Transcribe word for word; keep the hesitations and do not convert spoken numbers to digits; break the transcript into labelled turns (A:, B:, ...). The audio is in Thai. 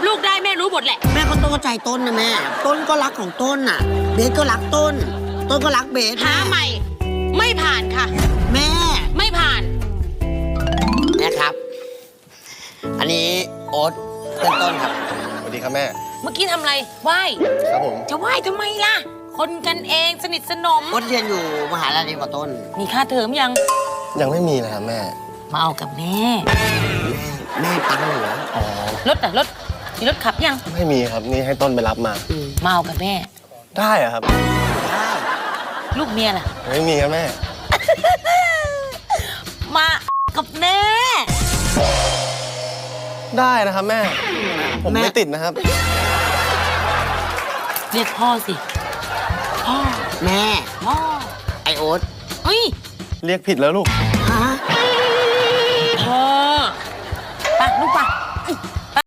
A: ลูกได้แม่รู้หมดแหละ
B: แม่ก็ต้องเข้าใจต้นนะแม่ต้นก็รักของต้นน่ะเบสก็รักต้นต้นก็รักเบส
A: หาใหม่ไม่ผ่านค่ะ
B: แม่
A: ไม่ผ่าน
B: แม่ครับอันนี้โอ๊ตเป็นต้นครับ
C: สวัสดีครับแม่
A: เมื่อกี้ทำอะไรไหว้
C: ครับผม
A: จะไหว้ทำไมล่ะคนกันเองสนิทสนม
B: โอ๊ตเรียนอยู่มหาลัยกับต้น
A: มีค่าเทอมยัง
C: ยังไม่มีนะครับแม่
A: มาเอากับแม่
B: แม่ตังค์เหรอ
C: อ๋อ
A: รถอะรถมีรถขับยัง
C: ไม่มีครับนี่ให้ต้นไปรับมา
A: มาเอากับแม่
C: ได้อะครับ
B: ได้
A: ลูกเมียล่ะ
C: ไม่มีครับแม่
A: มากับแม่
C: ได้นะครับแม่ผมไม่ติดนะครับ
A: เรียกพ่อสิพ่อ
B: แม่
A: พ่อ
B: ไอโอ๊ต
A: เฮ้ย
C: เรียกผิดแล้วลูก